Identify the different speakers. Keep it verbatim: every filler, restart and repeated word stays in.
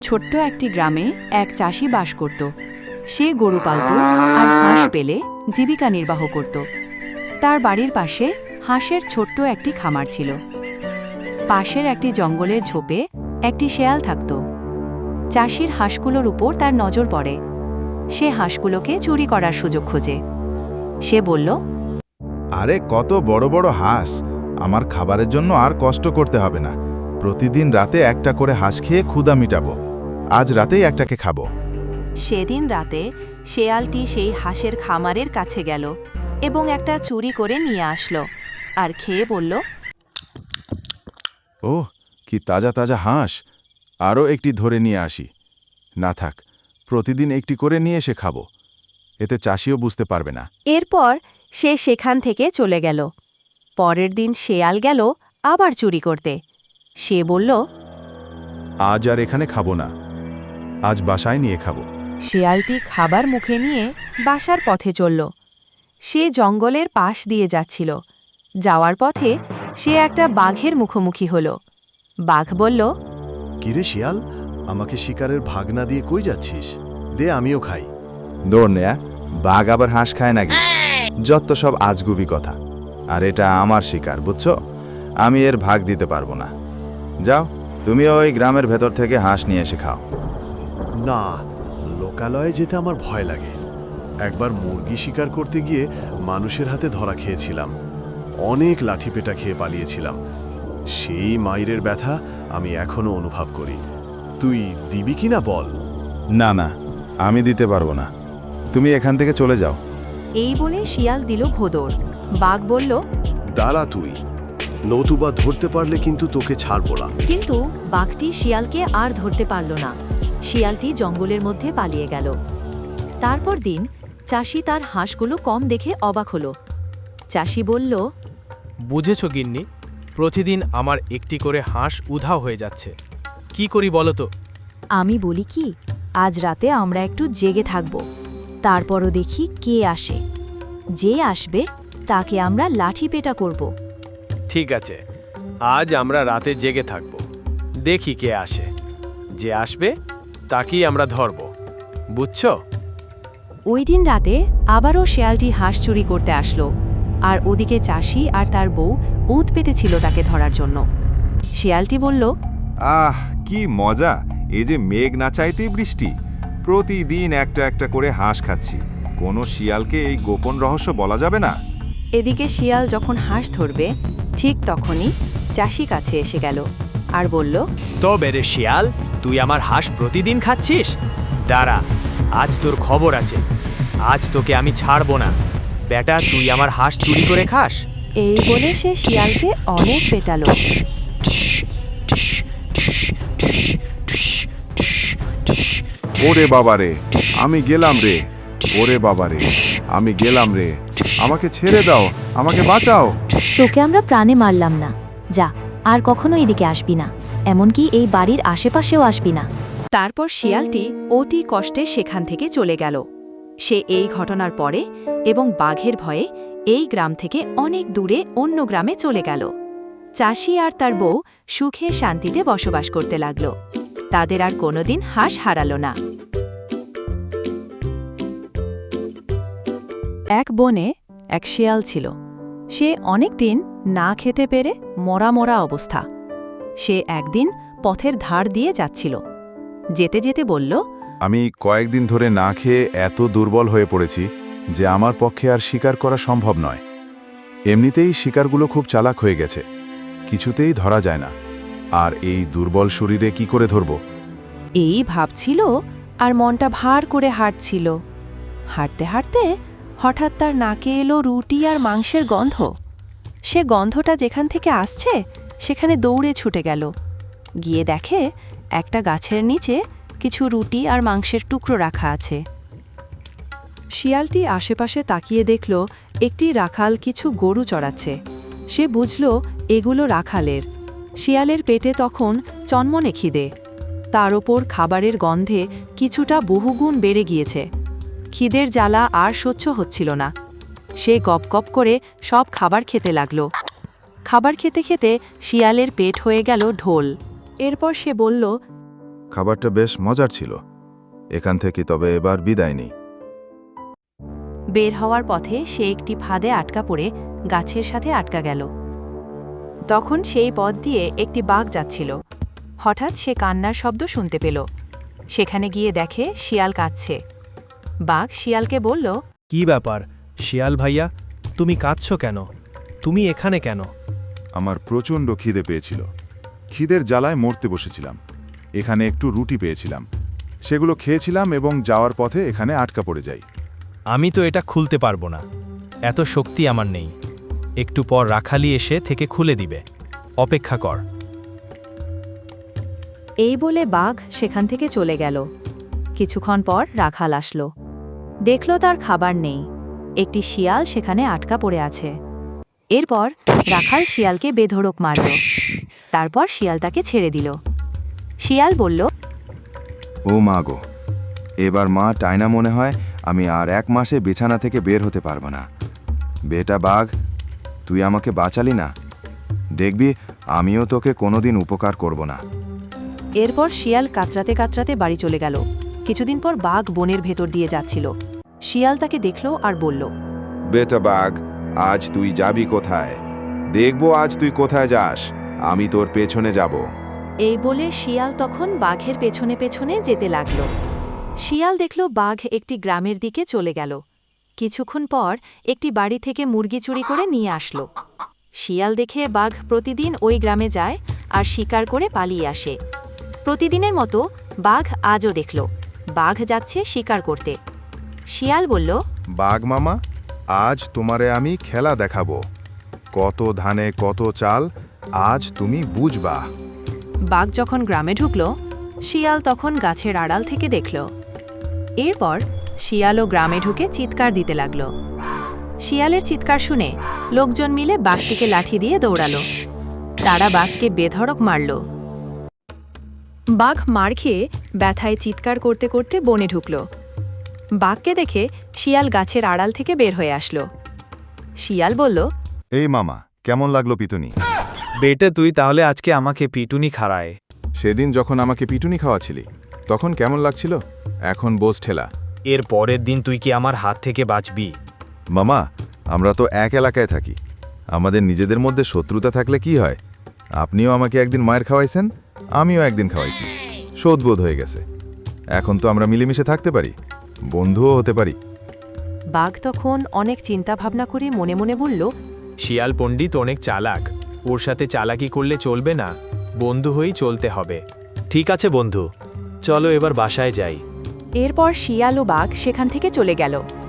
Speaker 1: ছোট্ট একটি গ্রামে এক চাষি বাস করত। সে গরু পালত আর হাঁস পেলে জীবিকা নির্বাহ করত। তার বাড়ির পাশে হাঁসের ছোট্ট একটি খামার ছিল। পাশের একটি জঙ্গলের ঝোপে একটি শেয়াল থাকত। চাষির হাঁসগুলোর উপর তার নজর পড়ে। সে হাঁসগুলোকে চুরি করার সুযোগ খোঁজে। সে বলল,
Speaker 2: আরে কত বড় বড় হাঁস, আমার খাবারের জন্য আর কষ্ট করতে হবে না। প্রতিদিন রাতে একটা করে হাঁস খেয়ে ক্ষুধা মিটাবো। আজ রাতেই একটাকে খাবো।
Speaker 1: সেদিন রাতে শেয়ালটি সেই হাঁসের খামারের কাছে গেল এবং একটা চুরি করে নিয়ে আসলো আর খেয়ে বলল,
Speaker 2: ওহ, কি তাজা তাজা হাঁস! আরও একটি ধরে নিয়ে আসি। না থাক, প্রতিদিন একটি করে নিয়ে এসে খাবো। এতে চাষিও বুঝতে পারবে না।
Speaker 1: এরপর সে সেখান থেকে চলে গেল। পরের দিন শেয়াল গেল আবার চুরি করতে। সে বলল,
Speaker 2: আজ আর এখানে খাবো না, আজ বাসায় নিয়ে খাবো।
Speaker 1: শেয়ালটি খাবার মুখে নিয়ে বাসার পথে চলল। সে জঙ্গলের পাশ দিয়ে যাচ্ছিল। যাওয়ার পথে সে একটা বাঘের মুখোমুখি হল। বাঘ বলল,
Speaker 3: কিরে শিয়াল, আমাকে শিকারের ভাগ না দিয়ে কই যাচ্ছিস? দে, আমিও খাই।
Speaker 2: দৌড় নেয়া, বাঘ আবার হাঁস খায় নাকি? যত সব আজগুবি কথা। আর এটা আমার শিকার, বুঝছো? আমি এর ভাগ দিতে পারবো না। যাও, তুমি ওই গ্রামের ভেতর থেকে হাঁস নিয়ে এসে খাও।
Speaker 3: না, লোকালয়ে যেতে আমার ভয় লাগে। একবার মুরগি শিকার করতে গিয়ে মানুষের হাতে ধরা খেয়েছিলাম। অনেক লাঠিপেটা খেয়ে পালিয়েছিলাম। সেই মাইরের ব্যথা আমি এখনো অনুভব করি। তুই দিবি কিনা বল?
Speaker 2: না না, আমি দিতে পারবো না। তুমি এখান থেকে চলে যাও।
Speaker 1: এই বলে শিয়াল দিল ভোদর। বাঘ বলল,
Speaker 3: দাঁড়া তুই, নতুবা ধরতে পারলে কিন্তু তোকে ছাড়বো না।
Speaker 1: কিন্তু বাঘটি শিয়ালকে আর ধরতে পারল না। শিয়ালটি জঙ্গলের মধ্যে পালিয়ে গেল। তারপর দিন চাষি তার হাঁসগুলো কম দেখে অবাক হল। চাষি বলল,
Speaker 4: বুঝেছ গিন্নি, প্রতিদিন আমার একটি করে হাঁস উধাও হয়ে যাচ্ছে। কি করি বলো তো?
Speaker 1: আমি বলি কি, আজ রাতে আমরা একটু জেগে থাকব। তারপরও দেখি কে আসে। যে আসবে তাকে আমরা লাঠি পেটা করব।
Speaker 4: ঠিক আছে, আজ আমরা রাতে জেগে থাকব। দেখি কে আসে। যে আসবে তাকেই আমরা ধরব, বুঝছো?
Speaker 1: ওই দিন রাতে আবারও শেয়ালটি হাঁস চুরি করতে আসলো। আর ওদিকে চাষি আর তার বউ উত পেতেছিল তাকে ধরার জন্য। শিয়ালটি বলল,
Speaker 5: আহ, কি মজা! এই যে মেঘ না চাইতেই বৃষ্টি। প্রতিদিন একটা একটা করে হাঁস খাচ্ছি। কোনো শিয়ালকে এই গোপন রহস্য বলা যাবে না।
Speaker 1: এদিকে শিয়াল যখন হাঁস ধরবে ঠিক তখনই চাষি কাছে এসে গেল আর বলল,
Speaker 4: তবে রে শিয়াল, তুই আমার হাঁস প্রতিদিন খাচ্ছিস? দাঁড়া, আজ তোর খবর আছে। আজ তোকে আমি ছাড়বো না। বেটা, তুই আমার হাঁস চুরি করে খাস?
Speaker 1: এই বলে সে শিয়ালকে অনেক পেটালো।
Speaker 2: ওরে বাবারে, আমি গেলাম রে। ওরে বাবারে, আমি গেলাম রে। আমাকে ছেড়ে দাও, আমাকে বাঁচাও।
Speaker 6: তোকে আমরা প্রাণে মারলাম না। যা, আর কখনো এদিকে আসবি না। এমনকি এই বাড়ির আশেপাশেও আসবি না।
Speaker 1: তারপর শিয়ালটি অতি কষ্টে সেখান থেকে চলে গেল। সে এই ঘটনার পরে এবং বাঘের ভয়ে এই গ্রাম থেকে অনেক দূরে অন্য গ্রামে চলে গেল। চাষি আর তার বউ সুখে শান্তিতে বসবাস করতে লাগল। তাদের আর কোনোদিন হাঁস হারালো না। এক বনে এক শিয়াল ছিল। সে অনেক দিন না খেতে পেরে মরা মরা অবস্থা। সে একদিন পথের ধার দিয়ে যাচ্ছিল। যেতে যেতে বলল,
Speaker 2: আমি কয়েকদিন ধরে না খেয়ে এত দুর্বল হয়ে পড়েছি যে আমার পক্ষে আর শিকার করা সম্ভব নয়। এমনিতেই শিকারগুলো খুব চালাক হয়ে গেছে, কিছুতেই ধরা যায় না। আর এই দুর্বল শরীরে কি করে ধরব?
Speaker 1: এই ভাবছিল আর মনটা ভার করে হাঁটছিল। হাঁটতে হাঁটতে হঠাৎ তার নাকে এলো রুটি আর মাংসের গন্ধ। সে গন্ধটা যেখান থেকে আসছে সেখানে দৌড়ে ছুটে গেল। গিয়ে দেখে একটা গাছের নিচে কিছু রুটি আর মাংসের টুকরো রাখা আছে। শিয়ালটি আশেপাশে তাকিয়ে দেখল একটি রাখাল কিছু গরু চড়াচ্ছে। সে বুঝল এগুলো রাখালের। শিয়ালের পেটে তখন চনমনে খিদে। তার ওপর খাবারের গন্ধে কিছুটা বহুগুণ বেড়ে গিয়েছে। খিদের জ্বালা আর সহ্য হচ্ছিল না। সে গপ গপ করে সব খাবার খেতে লাগল। খাবার খেতে খেতে শিয়ালের পেট হয়ে গেল ঢোল। এরপর সে বলল,
Speaker 2: খাবারটা বেশ মজার ছিল। এখান থেকে তবে এবার বিদায় নেই।
Speaker 1: বের হওয়ার পথে সে একটি ফাঁদে আটকা পড়ে গাছের সাথে আটকা গেল। তখন সেই পথ দিয়ে একটি বাঘ যাচ্ছিল। হঠাৎ সে কান্নার শব্দ শুনতে পেল। সেখানে গিয়ে দেখে শিয়াল কাঁদছে। বাঘ শিয়ালকে বলল,
Speaker 4: কি ব্যাপার শিয়াল ভাইয়া, তুমি কাঁদছো কেন? তুমি এখানে কেন?
Speaker 2: আমার প্রচণ্ড খিদে পেয়েছিল। খিদের জ্বালায় মরতে বসেছিলাম। এখানে একটু রুটি পেয়েছিলাম, সেগুলো খেয়েছিলাম এবং যাওয়ার পথে এখানে আটকা পড়ে যাই।
Speaker 4: আমি তো এটা খুলতে পারবো না, এত শক্তি আমার নেই। একটু পর রাখালি এসে থেকে খুলে দিবে, অপেক্ষা কর।
Speaker 1: এই বলে বাঘ সেখান থেকে চলে গেল। কিছুক্ষণ পর রাখাল আসলো। দেখল তার খাবার নেই। একটি শিয়াল সেখানে আটকা পড়ে আছে। এরপর রাখাল শিয়ালকে বেধড়ক মারল। তারপর শিয়াল তাকে ছেড়ে দিল। শিয়াল বলল,
Speaker 5: ও মা গো, এবার মা টাইনা মনে হয় আমি আর এক মাসে বিছানা থেকে বের হতে পারবো না। বেটা বাঘ, তুই আমাকে বাঁচালি না, দেখবি আমিও তোকে কোনোদিন উপকার করব না।
Speaker 1: এরপর শিয়াল কাতরাতে কাতরাতে বাড়ি চলে গেল। কিছুদিন পর বাঘ বনের ভেতর দিয়ে যাচ্ছিল। শিয়াল তাকে দেখল আর বলল,
Speaker 5: বেটা বাঘ, আজ তুই যাবি কোথায়? দেখবো আজ তুই কোথায় যাস, আমি তোর পেছনে যাব।
Speaker 1: এই বলে শিয়াল তখন বাঘের পেছনে পেছনে যেতে লাগল। শিয়াল দেখল বাঘ একটি গ্রামের দিকে চলে গেল। কিছুক্ষণ পর একটি বাড়ি থেকে মুরগি চুরি করে নিয়ে আসলো। শিয়াল দেখে বাঘ প্রতিদিন ওই গ্রামে যায় আর শিকার করে পালিয়ে আসে। প্রতিদিনের মতো বাঘ আজও দেখল বাঘ যাচ্ছে শিকার করতে। শিয়াল বলল,
Speaker 2: বাঘ মামা, আজ তোমারে আমি খেলা দেখাবো। কত ধানে কত চাল, আজ তুমি বুঝবা।
Speaker 1: বাঘ যখন গ্রামে ঢুকল, শিয়াল তখন গাছের আড়াল থেকে দেখল। এরপর শিয়ালও গ্রামে ঢুকে চিৎকার দিতে লাগল। শিয়ালের চিৎকার শুনে লোকজন মিলে বাঘটিকে লাঠি দিয়ে দৌড়ালো। তারা বাঘকে বেধড়ক মারল। বাঘ মার খেয়ে ব্যথায় চিৎকার করতে করতে বনে ঢুকল। বাঘকে দেখে শিয়াল গাছের আড়াল থেকে বের হয়ে আসলো। শিয়াল বলল,
Speaker 2: এই মামা, কেমন লাগলো পিটুনি?
Speaker 4: বেটে তুই তাহলে আজকে আমাকে পিটুনি খাড়ায়।
Speaker 2: সেদিন যখন আমাকে পিটুনি খাওয়াছিলি তখন কেমন লাগছিল? এখন বোঝ ঠেলা।
Speaker 4: এর পরের দিন তুই কি আমার হাত থেকে বাঁচবি?
Speaker 2: মামা, আমরা তো এক এলাকায় থাকি। আমাদের নিজেদের মধ্যে শত্রুতা থাকলে কি হয়? আপনিও আমাকে একদিন মায়ের খাওয়াইছেন, আমিও একদিন খাওয়াইছি। শোধবোধ হয়ে গেছে। এখন তো আমরা মিলেমিশে থাকতে পারি, বন্ধুও হতে পারি।
Speaker 1: বাঘ তখন অনেক চিন্তা ভাবনা করে মনে মনে বলল,
Speaker 4: শিয়াল পণ্ডিত অনেক চালাক, ওর সাথে চালাকি করলে চলবে না, বন্ধু হয়েই চলতে হবে। ঠিক আছে বন্ধু, চলো এবার বাসায় যাই।
Speaker 1: এরপর শিয়াল ও বাঘ সেখান থেকে চলে গেল।